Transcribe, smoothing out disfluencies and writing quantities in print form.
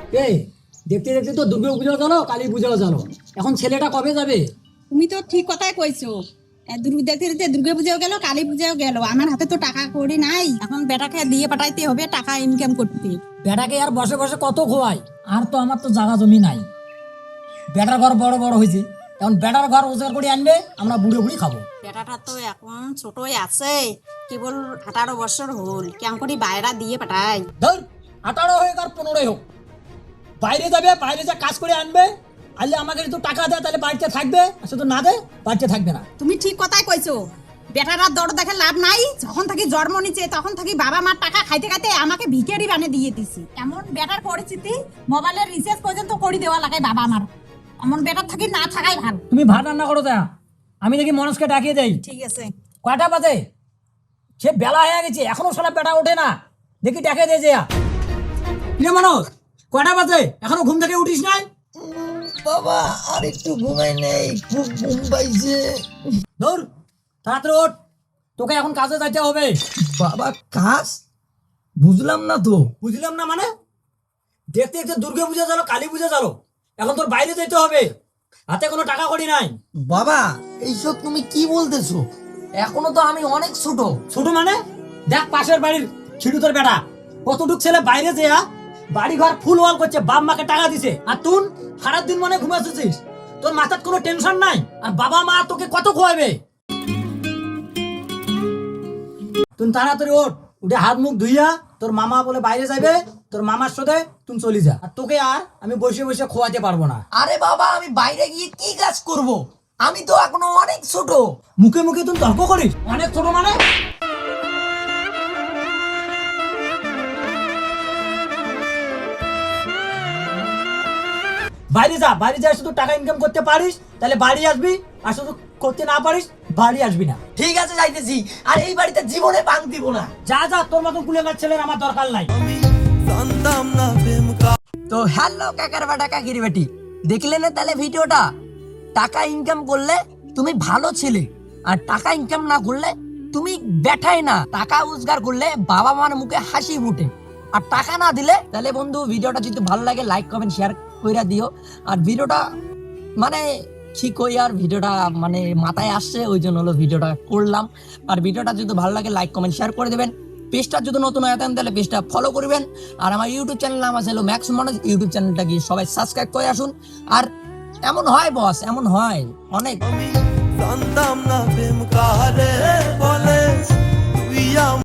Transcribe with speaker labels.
Speaker 1: এই দেখতে দেখতে তো দুর্গা পুজো গেল, কালী পুজো গেল, এখন ছেলেটা কবে যাবে?
Speaker 2: তুমি তো ঠিক কথাই কইছো। দেখতে দেখতে দুর্গা পূজাও গেল, কালী পূজাও গেল, আমার হাতে তো টাকা কড়ি নাই। এখন বেটাকে দিয়ে পাঠাইতে হবে টাকা ইনকাম করতে।
Speaker 1: বেটাকে আর বসে বসে কত খোয়াই, আর তো আমার তো জায়গা জমি নাই। বেটার ঘর বড় বড় হয়েছে, এখন বেটার ঘর রোজগার করে আনবে, আমরা বুড়ে বুড়ি খাবো।
Speaker 2: বেটাটা তো এখন ছোটই আছে, কেবল 18 বছর হল, কেমন করে বাইরা দিয়ে পাঠাই।
Speaker 1: ধর 18 হোক আর 15 হোক, বাইরে যাবে, বাইরে যা কাজ করে আনবে, আনলে আমাকে যদি টাকা দেয় তাহলে বাড়িতে থাকবে, আর শুধু না দেয় বাড়িতে থাকবে না।
Speaker 2: তুমি ঠিক কথাই কইছো। বেটারা দর দেখে লাভ নাই, যখন থাকি জন্ম নিচে তখন থাকি বাবা মার টাকা খাইতে খাইতে আমাকে ভিখারি বানিয়ে দিয়ে দিছি। এমন বেটার পরিস্থিতি, মোবাইলের রিচার্জ পর্যন্ত করে দেওয়া লাগে বাবা আমার। এমন বেটার থাকি না থাকাই ভালো।
Speaker 1: তুমি ভাত রান্না করো, তা আমি দেখি মনসকে ডাকিয়ে দেই।
Speaker 2: ঠিক আছে।
Speaker 1: কয়টা বাজে? সে বেলা হয়ে গেছে, এখনো সারা বেটা ওঠে না, দেখি ডাকিয়ে দে যে। কিরে মনোজ, কয়টা বাজে, এখনো ঘুম থেকে উঠিস নাই?
Speaker 3: বাবা আর একটু ঘুমাই নেই, খুব ঘুম পাইছে।
Speaker 1: ধর তাড়াতাড়ি ওঠ, তোকে এখন কাজে যাইতে হবে।
Speaker 3: বাবা কাজ বুঝলাম না তো।
Speaker 1: বুঝলাম না মানে? দেখতে দেখতে দুর্গা পূজা গেল, কালী পূজা গেল, এখন তোর বাইরে যেতে হবে, হাতে কোনো টাকা কড়ি নাই।
Speaker 3: বাবা এইসব তুমি কি বলতেছো? এখনো তো আমি অনেক ছোট।
Speaker 1: ছোট মানে? দেখ পাশের বাড়ির ছিড়ু তোর বেটা কতটুক ছেলে বাইরে যেয়া বাড়ি ঘর ফুল ওয়াল করছে, বাপ মাকে টাকা দিছে, আর তুই সারাদিন মনে ঘুমাচ্ছিস, তোর মাথার কোনো টেনশন নাই, আর বাবা মা তোকে কত খোয়াবে? তুই তাড়াতাড়ি ওঠ, উঠে হাত মুখ ধুইয়া, তোর মামা বলে বাইরে যাবে, তোর মামার সাথে তুই চলে যা, আর তোকে আর আমি বসে বসে খোয়াতে পারবো না।
Speaker 3: আরে বাবা আমি বাইরে গিয়ে কি কাজ করব? আমি তো এখনো অনেক ছোট।
Speaker 1: মুখে মুখে তুই তর্ক করিস, অনেক ছোট মানে? বাইরে যা, বাইরে যা, শুধু টাকা ইনকাম করতে পারিস তাহলে বাড়ি আসবি, আর শুধু করতে না পারিস বাড়ি আসবি না।
Speaker 3: ঠিক আছে যাইতেছি, আর এই বাড়িতে জীবনে ভাঙ দিব না।
Speaker 1: যা যা, তোর মতন কুলেঙ্গার ছেলের আমার দরকার নাই।
Speaker 3: তো হ্যালো কাকার বাটা কাকির বেটি, দেখলে না তাহলে ভিডিওটা? টাকা ইনকাম করলে তুমি ভালো ছেলে, আর টাকা ইনকাম না করলে তুমি বেঠাই না। টাকা রোজগার করলে বাবা মার মুখে হাসি ফুটে, আর টাকা না দিলে তাহলে বন্ধু ভিডিওটা যদি ভালো লাগে লাইক কমেন্ট শেয়ার কইরা দিও। আর ভিডিওটা মানে কি কই, আর ভিডিওটা মানে মাথায় আসছে ওই জন্য হলো ভিডিওটা করলাম। আর ভিডিওটা যদি ভালো লাগে লাইক কমেন্ট শেয়ার করে দেবেন। পেজটা যদি নতুন হয়ে থাকেন তাহলে পেজটা ফলো করবেন। আর আমার ইউটিউব চ্যানেল নাম আছে হলো ম্যাক্স মনোজ, ইউটিউব চ্যানেলটা গিয়ে সবাই সাবস্ক্রাইব করে আসুন। আর এমন হয় বস, এমন হয় অনেক।
Speaker 4: জানতাম না প্রেম কাহারে বলে।